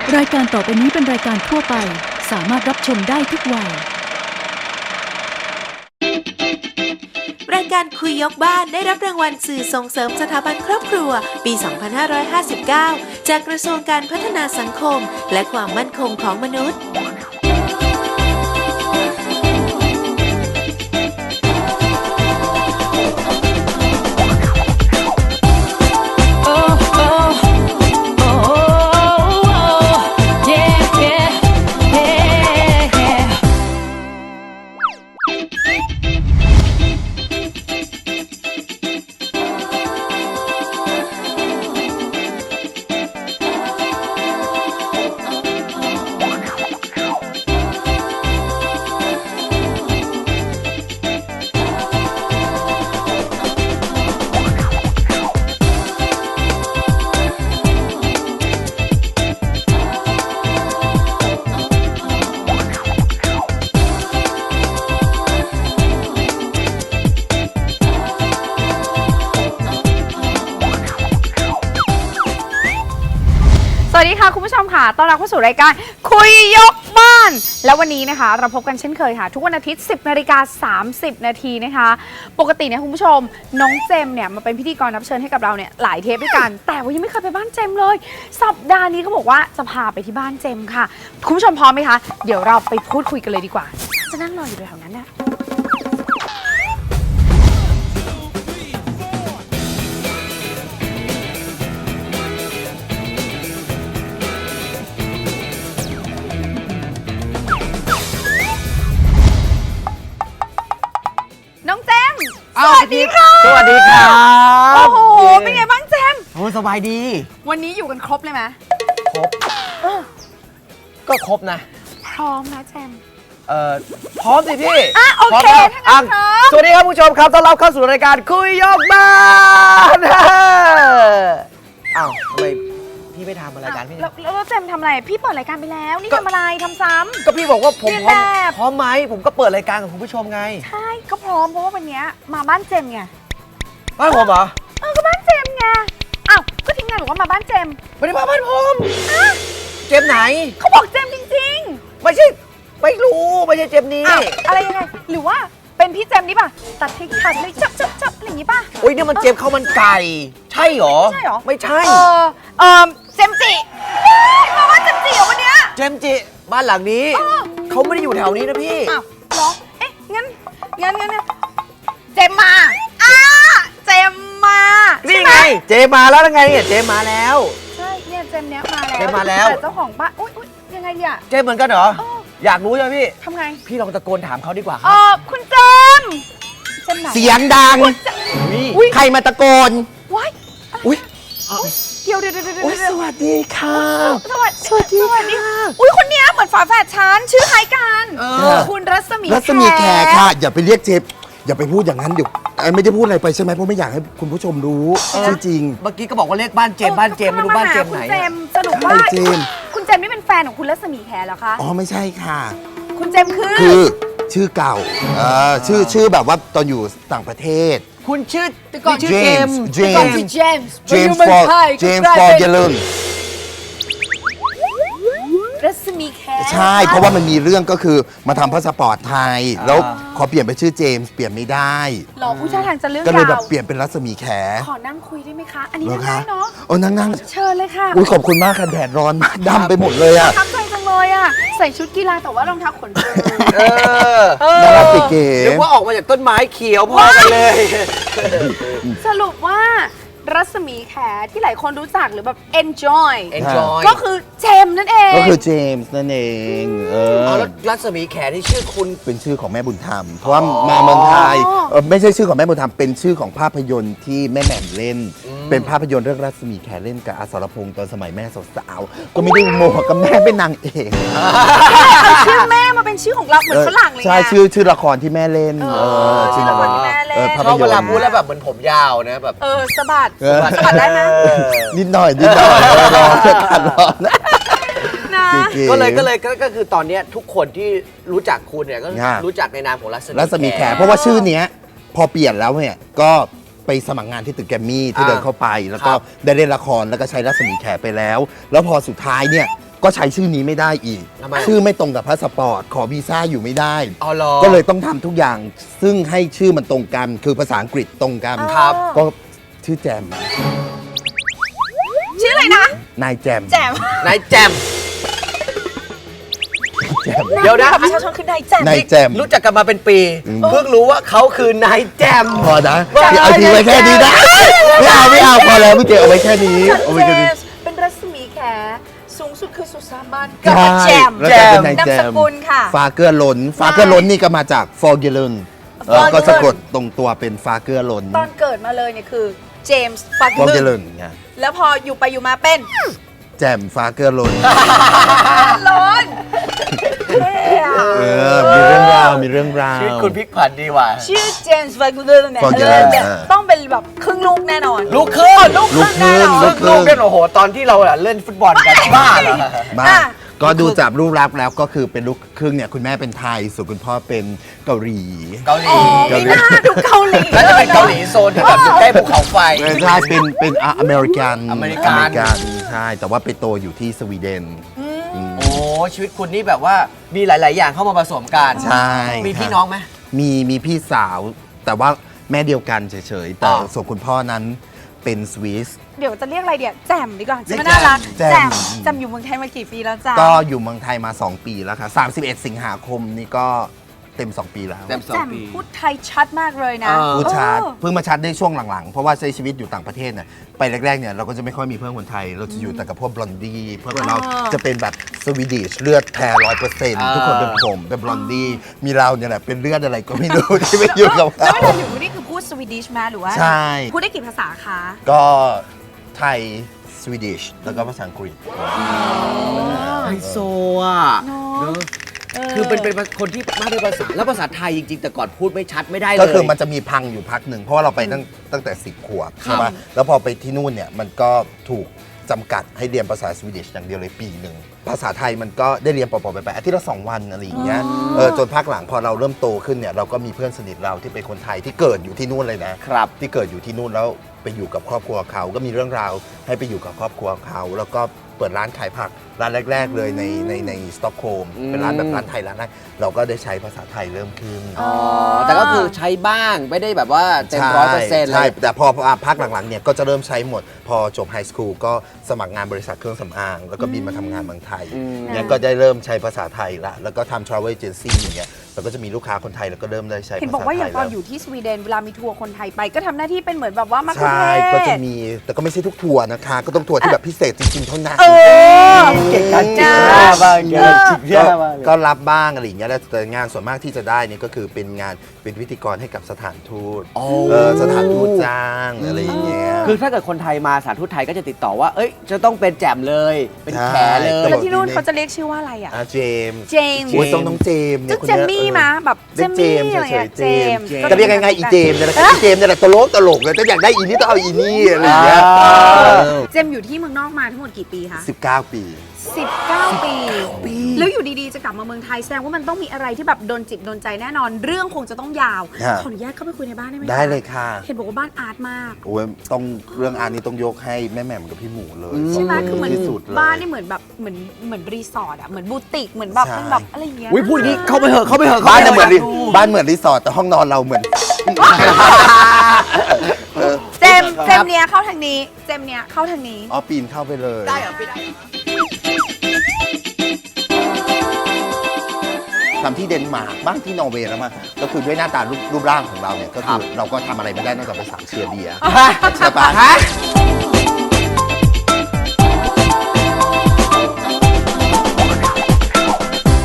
รายการต่อไปนี้เป็นรายการทั่วไปสามารถรับชมได้ทุกวัยรายการคุยยกบ้านได้รับรางวัลสื่อส่งเสริมสถาบันครอบครัวปี 2559 จากกระทรวงการพัฒนาสังคมและความมั่นคงของมนุษย์สวัสดีค่ะคุณผู้ชมค่ะต้อนรับเข้าสู่รายการคุยยกบ้านแล้ววันนี้นะคะเราพบกันเช่นเคยค่ะทุกวันอาทิตย์ 10:30 นาทีนะคะปกติเนี่ยคุณผู้ชมน้องเจมเนี่ยมาเป็นพิธีกรรับเชิญให้กับเราเนี่ยหลายเทปด้วยกันแต่ว่ายังไม่เคยไปบ้านเจมเลยสัปดาห์นี้เขาบอกว่าจะพาไปที่บ้านเจมค่ะคุณผู้ชมพร้อมไหมคะเดี๋ยวเราไปพูดคุยกันเลยดีกว่าจะนั่งรออยู่แถวนั้นนะสวัสดีค่ะสวัสดีครับโอ้โหเป็นไงบ้างเจมโอ้สบายดีวันนี้อยู่กันครบเลยไหมครบก็ครบนะพร้อมนะเจมพร้อมสิพี่โอเคถ้างั้นพร้อมสวัสดีครับผู้ชมครับต้อนรับเข้าสู่รายการคุยยกบ้านอ้าวทำไมพี่ไม่ทำรายการพี่แล้วเจมทำอะไรพี่เปิดรายการไปแล้วนี่ทำอะไรทำซ้ำก็พี่บอกว่าผมพร้อมไหมผมก็เปิดรายการกับคุณผู้ชมไงใช่ก็พร้อมเพราะว่าวันนี้มาบ้านเจมไงบ้านผมเหรอก็บ้านเจมไงอ้าวก็ทีมงานบอกว่ามาบ้านเจมไม่ได้มาบ้านผมเจมไหนเขาบอกเจมจริงๆไม่ใช่ไม่รู้ไม่ใช่เจมนี้อะไรยังไงหรือว่าเป็นพี่เจมนี่ป่ะตัดทิ้งขาดเลยจับอะไรอย่างนี้ป่ะโอ้ยเนี่ยมันเจมข้าวมันไก่ใช่หรอใช่หรอไม่ใช่เจมจิมาบ้านเจมจิเหรอวันเนี้ยเจมจิบ้านหลังนี้เขาไม่ได้อยู่แถวนี้นะพี่อ้าวเหรอเอ๊ะงั้นเจมมาเจมมานี่ไงเจมาแล้วไงเจมาแล้วใช่เนี่ยเจมเนี้ยมาแล้วเจมาแล้วเจ้าของบ้านอุ้ยยังไงเนี่ยเจมเหมือนกันเหรออยากรู้ใช่ไหมพี่ทำไงพี่ลองตะโกนถามเขาดีกว่าครับคุณเจมไหนเสียงดังใครมาตะโกนว้ายอุ้ยเดี๋ยวสวัสดีค่ะสวัสดีค่ะอุ้ยคนเนี้ยเหมือนฝาแฝดฉันชื่อคล้ายกันคุณรัศมีแขค่ะอย่าไปเรียกเจมอย่าไปพูดอย่างนั้นเดี๋ยวไม่ได้พูดอะไรไปใช่ไหมเพราะไม่อยากให้คุณผู้ชมรู้จริงเมื่อกี้ก็บอกว่าเรียกบ้านเจมไม่รู้บ้านเจมไหนคุณเจมสรุปว่าคุณเจมนี่เป็นแฟนของคุณรัศมีแขเหรอคะอ๋อไม่ใช่ค่ะคุณเจมคือชื่อเก่าชื่อแบบว่าตอนอยู่ต่างประเทศคุณชื่อก่อนชื่อเจมส์ฟอร์เยลนรัศมีแขใช่เพราะว่ามันมีเรื่องก็คือมาทำพาสปอร์ตไทยแล้วขอเปลี่ยนเป็นชื่อเจมส์เปลี่ยนไม่ได้หรอผู้ชายทางจะเรื่องก็เลยแบบเปลี่ยนเป็นรัศมีแขขอนั่งคุยได้ไหมคะอันนี้นั่งได้เนาะนั่งเชิญเลยค่ะอุ้ยขอบคุณมากค่ะแดดร้อนมากดำไปหมดเลยอ่ะทับใจจังเลยอ่ะใส่ชุดกีฬาแต่ว่ารองเท้าขนเปื้อนน่ารักเก๋ๆนึกว่าออกมาจากต้นไม้เขียวพอกันเลยสรุปว่ารัศมีแขที่หลายคนรู้จักหรือแบบ enjoy ก็คือเจมนั่นเองก็คือเจมส์นั่นเองแล้วรัศมีแขที่ชื่อคุณเป็นชื่อของแม่บุญธรรมเพราะว่ามาเมืองไทยไม่ใช่ชื่อของแม่บุญธรรมเป็นชื่อของภาพยนตร์ที่แม่แหม่มเล่นเป็นภาพยนตร์เรื่องรัศมีแขเล่นกับอสรพงษ์ตอนสมัยแม่สาวๆก็ไม่ได้โมหกับแม่เป็นนางเอกเอาชื่อแม่มาเป็นชื่อของเราเหมือนฝรั่งเลยใช่ชื่อละครที่แม่เล่นชื่อละครที่แม่เล่นชอบเวลาพูดแล้วแบบเหมือนผมยาวนะแบบสะบัดได้ไหมนิดหน่อยร้อนกันร้อนก็คือตอนนี้ทุกคนที่รู้จักคุณเนี่ยก็รู้จักในนามของรัศมีแขเพราะว่าชื่อเนี้ยพอเปลี่ยนแล้วเนี่ยก็ไปสมัครงานที่ตึกแกรมมี่ที่เดินเข้าไปแล้วก็ได้เล่นละครแล้วก็ใช้รัศมีแขไปแล้วพอสุดท้ายเนี่ยก็ใช้ชื่อนี้ไม่ได้อีกทำไมชื่อไม่ตรงกับพาสปอร์ตขอวีซ่าอยู่ไม่ได้อ๋อเหรอก็เลยต้องทำทุกอย่างซึ่งให้ชื่อมันตรงกัน คือภาษาอังกฤษตรงกันครับก็ชื่อแจมชื่ออะไรนะนายแจมแจมนายแจมแจมเดี๋ยวนะประชาชนคือนายแจมนายแจมรู้จักกันมาเป็นปี เพิ่งรู้ว่าเขาคือนายแจมพอนะเอาทิ้งไว้แค่นี้นะไม่เอาพอแล้วพี่เจเอาไว้แค่นี้เอาไว้เจแค่นี้มส์เป็นรัศมีแขสูงสุดคือสุสานบ้านใช่กับแจมแล้วก็เป็นนายนามแจสมกุลค่ะฟาเกอร์ล้นฟาเกอร์ล้นนี่ก็มาจากฟอร์เกลนก็สะกดตรงตัวเป็นฟาเกอร์ล้นตอนเกิดมาเลยเนี่ยคือเจมส์ฟักฟอร์เกลึลนนไงแล้วพออยู่ไปอยู่มาเป็นแจมฟาเกอร์ล้นล้นมีเรื่องราวมีเรื่องราวชีวิตคุณพลิกผันดีว่ะชื่อเจมส์ฟักลึนเนี่ยฟักลึนต้องเป็นแบบครึ่งลูกแน่นอนลูกครึ่งลูกครึ่งแน่นอนลูลูกกครึ่ลูงกเนี่ยโอ้โห ตอนที่เราเล่นฟุตบอลกันบ้าเหรอบ้าอ่ะก็ดูจากรูปลักษณ์แล้วก็คือเป็นลูกครึ่งเนี่ยคุณแม่เป็นไทยส่วนคุณพ่อเป็นเกาหลีเกาหลีอ๋อไม่น่าดูเกาหลีแล้วจะเป็นเกาหลีโซนที่แบบอยู่ใกล้ภูเขาไฟใช่เป็นอเมริกันอเมริกันใช่แต่ว่าไปโตอยู่ที่สวีเดนโอ้ชีวิตคุณนี่แบบว่ามีหลาย ๆ อย่างเข้ามาผสมกันใช่มีพี่น้องไหมมีพี่สาว แต่ว่าแม่เดียวกันเฉยๆแต่อ๋อส่วนคุณพ่อนั้นเป็นสวิสเดี๋ยวจะเรียกอะไรเดี๋ยวแจมดีกว่าจะเรียกไม่น่ารักแจมแจมอยู่เมืองไทยมากี่ปีแล้วจ้ะก็อยู่เมืองไทยมา 2 ปีแล้วค่ะ31 สิงหาคมนี่ก็เต็ม 2 ปีแล้วเต็มแจมพูดไทยชัดมากเลยนะพูดชัดเออเพิ่งมาชัดได้ช่วงหลังๆ เพราะว่าใช้ชีวิตอยู่ต่างประเทศเนี่ยไปแรกๆเนี่ยเราก็จะไม่ค่อยมีเพื่อนคนไทย เราจะอยู่แต่กับพวกบลอนดี้เพื่อนเราจะเป็นแบบสวีดิชเลือดแท้100%ทุกคนเป็นผมเป็นบลอนดี้มีเราเนี่ยแหละเป็นเลือดอะไรก็ไม่รู้ ที่ไม่อยู่กับแล้วเขาเวลาอยู่นี่คือพูดสวีดิชมาหรือว่าใช่พูดได้กี่ภาษาคะก็ไทยสวีดิชแล้วก็ภาษาอังกฤษไฮโซอ่ะเนอะเนอะคือเป็นคนที่มากด้วยภาษา แล้วภาษาไทยจริง ๆ แต่ก่อนพูดไม่ชัดไม่ได้เลยก็คือมันจะมีพังอยู่พักหนึ่งเพราะว่าเราไปตั้งแต่ 10 ขวบใช่ปะแล้วพอไปที่นู่นเนี่ยมันก็ถูกจำกัดให้เรียนภาษาสวีดิชอย่างเดียวเลยปีหนึ่งภาษาไทยมันก็ได้เรียนปอๆไปอาทิตย์ละ2 วันอะไรอย่างเงี้ยจนพักหลังพอเราเริ่มโตขึ้นเนี่ยเราก็มีเพื่อนสนิทเราที่เป็นคนไทยที่เกิดอยู่ที่นู่นเลยนะครับ ที่เกิดอยู่ที่นู่นแล้วไปอยู่กับครอบครัวเขาก็มีเรื่องราวให้ไปอยู่กับครอบครัวเขาแล้วก็เปิดร้านขายผักร้านแรก ๆ เลยในสต็อกโฮล์มเป็นร้านแบบร้านไทยร้านแรกเราก็ได้ใช้ภาษาไทยเริ่มขึ้นอ๋อ แต่ก็คือใช้บ้างไม่ได้แบบว่าเต็ม100%เลใช่ยแต่พอพักหลังๆเนี่ยก็จะเริ่มใช้หมด พอจบไฮสคูลก็สมัครงานบริษัทเครื่องสำอาง แล้วก็บินมาทำงานเมืองไทยเนี่ยก็ได้เริ่มใช้ภาษาไทยละแล้วก็ทำ travel agency อย่างเงี้ยแล้วก็จะมีลูกค้าคนไทยแล้วก็เริ่มได้ใช้ภาษาไทยเห็นบอกว่าอย่างตอนแล้วอยู่ที่สวีเดนเวลามีทัวร์คนไทยไป ก็ทำหน้าที่เป็นเหมือนแบบว่ามาคุใช่เทศก็จะมีแต่ก็ไม่ใช่ทุกทัวร์นะคะ ก็ต้องทัวร์ที่แบบพิเศษจริงๆเท่านั้นเออเก่งการจิกหน้าบ้างเก่งการจิกหน้าบ้างก็รับบ้างอะไรอย่างเงี้ยแต่งานส่วนมากที่จะได้เนี่ยก็คือเป็นงานเป็นพิธีกรให้กับสถานทูตสถานทูตจ้างอะไรอย่างเงี้ยคือถ้าเกิดคนไทยมาสถานทูตไทยก็จะติดต่อว่า เอ้ย จะต้องเป็นแจ่มเลย เป็นแขเลใช่ยแล้วที่นู่นเขาจะเรียกชื่อว่าอะไรอ่ะเจมส์เจมส์โอ้ยต้องน้องเจมส์เนี่จะยคนเจนี้ยมมี่มาแบบเจเรียมกเจมี่มส์อะไรเฉเงี้ยยๆเจมส์ก็จะเรียกง่ายๆอีเจมส์เนี่ยแหละอีเจมส์เนี่ยแหละตลกเลยแต่อยากได้อีนี่ต้องเอาอีนี่อะไรอย่างเงี้ยเจมอยู่ที่เมืองนอกมาทั้งหมดกี่ปีคะ 19 ปี 19 ปี แล้วอยู่ดีๆ จะกลับมาเมืองไทยแสดงว่ามันต้องมีอะไรที่แบบโดนจิตโดนใจแน่นอน เรื่องคงจะต้องยาวฮะขออนุญาตเข้าไปคุยในบ้านได้ไหมคะได้เลยค่ะเห็นบอกว่าบ้านอาร์ตมากโอ้ยต้องเรื่องอันนี้ต้องยกให้แม่แหม่มกับพี่หมูเลยใช่ไหมสงคือเหมือนที่สุดเลยบ้านนี่เหมือนแบบเหมือนรีสอร์ทอะเหมือนบูติกเหมือนแบบใช่เป็นแบบอะไรอย่างเงี้ยอุ้ยพูดอย่างนี้เข้าไปเหอะเข้าไปเหอะบ้านเนี่ยเหมือนข้บ้านเหมือนรีสอร์ทแต่ห้องนอนเราเหมือนเจมเนี้ยเข้าทางนี้เจมเนี้ยเข้าทางนี้อ๋อปีนเข้าไปเลยได้เหรอไม่ได้ทำที่เดนมาร์กบ้างที่นอร์เวย์แล้วมาก็คือด้วยหน้าตารูปร่างของเราเนี่ยก็คือเราก็ทำอะไรไม่ได้นอกจากไปสั่งเชียร์เบียร์ใช่ปะ